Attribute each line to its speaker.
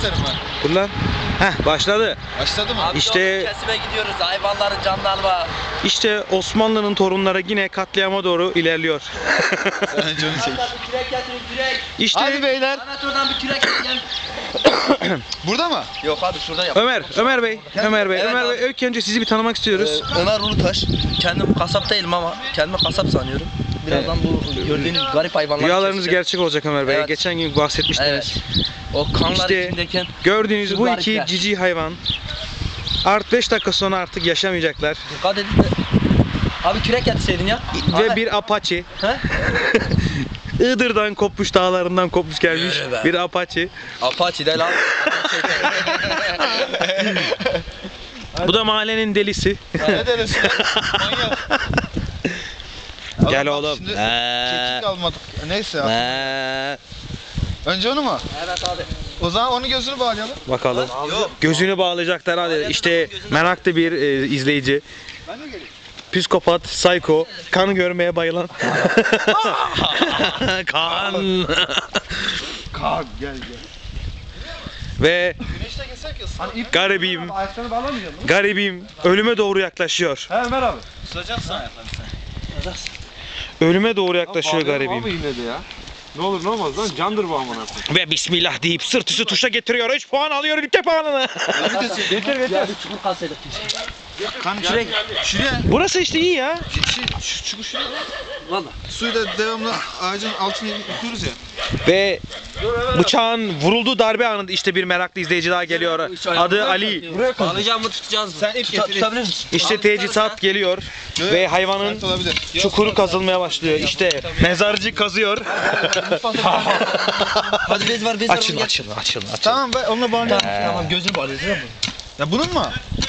Speaker 1: isterim ben.
Speaker 2: Dur lan. Heh, başladı.
Speaker 1: Başladı mı?
Speaker 3: Abi
Speaker 2: İşte-
Speaker 3: kesime gidiyoruz. Hayvanların canını alma.
Speaker 2: İşte Osmanlı'nın torunları yine katliama doğru ilerliyor.
Speaker 1: Sen önce onu çek.
Speaker 3: Hatta bir kürek getirin kürek.
Speaker 2: İşte
Speaker 1: Hadi beyler.
Speaker 3: Ahmet oradan bir kürek gel.
Speaker 1: Burada mı?
Speaker 3: Yok abi şurada yap.
Speaker 2: Ömer Bey,
Speaker 3: Evet
Speaker 2: Ömer
Speaker 3: abi.
Speaker 2: Bey, ilk önce sizi bir tanımak istiyoruz.
Speaker 3: Ömer Ulutaş. Kendim kasap değilim ama kendimi kasap sanıyorum. Birazdan bu gördüğünüz garip hayvanları
Speaker 2: Rüyalarınız
Speaker 3: keseceğim.
Speaker 2: gerçek olacak Ömer Bey.
Speaker 3: Evet.
Speaker 2: Geçen gün bahsetmiştiniz.
Speaker 3: Evet. O kanlar
Speaker 2: İşte
Speaker 3: içindeyken
Speaker 2: gördüğünüz
Speaker 3: şu
Speaker 2: bu
Speaker 3: garipler.
Speaker 2: iki cici hayvan art 5 dakika sonra artık yaşamayacaklar.
Speaker 3: dikkat edin de. Abi kürek getirseydin ya.
Speaker 2: Ve
Speaker 3: Ahmet.
Speaker 2: bir Apache.
Speaker 3: He?
Speaker 2: Iğdır'dan kopmuş, dağlarından kopmuş gelmiş
Speaker 3: Yürü be.
Speaker 2: bir Apache.
Speaker 3: Apache değil abi.
Speaker 2: Bu da mahallenin delisi.
Speaker 1: Ne dersin? Manyak.
Speaker 2: Gel
Speaker 1: Bak
Speaker 2: oğlum.
Speaker 1: Şimdi kekik almadık. Neyse ya. Önce onu mu?
Speaker 3: Evet abi.
Speaker 1: O zaman onun gözünü bağlayalım.
Speaker 2: Bakalım.
Speaker 3: Yok.
Speaker 2: Gözünü bağlayacaklar hadi. İşte meraklı bir izleyici.
Speaker 1: Ben de geleyim.
Speaker 2: Psikopat, psycho, kan görmeye bayılan. Kan.
Speaker 1: Kalk gel gel.
Speaker 2: Ve
Speaker 1: Güneşte geçsek ya. Hani ip
Speaker 2: garibim,
Speaker 1: ayaklarını bağlamayacak mı?
Speaker 2: garibim ölüme doğru yaklaşıyor.
Speaker 1: He Ömer abi.
Speaker 4: Tutacaksın ayaklarını sen.
Speaker 2: Ölüme doğru yaklaşıyor garibim.
Speaker 4: Abi yine de ya. Ne olur ne olmaz lan candır bu amına koyayım.
Speaker 2: Ve bismillah deyip sırt üstü tuşa getiriyor. 3 puan alıyor ülke puanını.
Speaker 1: Getir
Speaker 3: Ya bir çukur kalsaydık keşke.
Speaker 1: Kan şuraya. Şuraya.
Speaker 2: Burası işte iyi ya.
Speaker 1: Şu şuraya.
Speaker 3: Valla.
Speaker 1: Suyu da devamlı ağacın altına yıkıyoruz ya.
Speaker 2: Ve bıçağın vurulduğu darbe anında işte bir meraklı izleyici daha geliyor. Adı Ali.
Speaker 3: Bağlayacağım mı tutacağız mı?
Speaker 1: Sen ip getir.
Speaker 3: Tutabilir misin?
Speaker 2: İşte teçhizat geliyor. Ve hayvanın
Speaker 1: Sert olabilir.
Speaker 2: çukuru kazılmaya başlıyor. İşte mezarcı kazıyor.
Speaker 3: Hadi bez var bez var.
Speaker 2: Açıl.
Speaker 1: Tamam ben onunla bağlayalım.
Speaker 3: Tamam gözünü bağlayacağız değil mi?
Speaker 1: Ya bunun mu?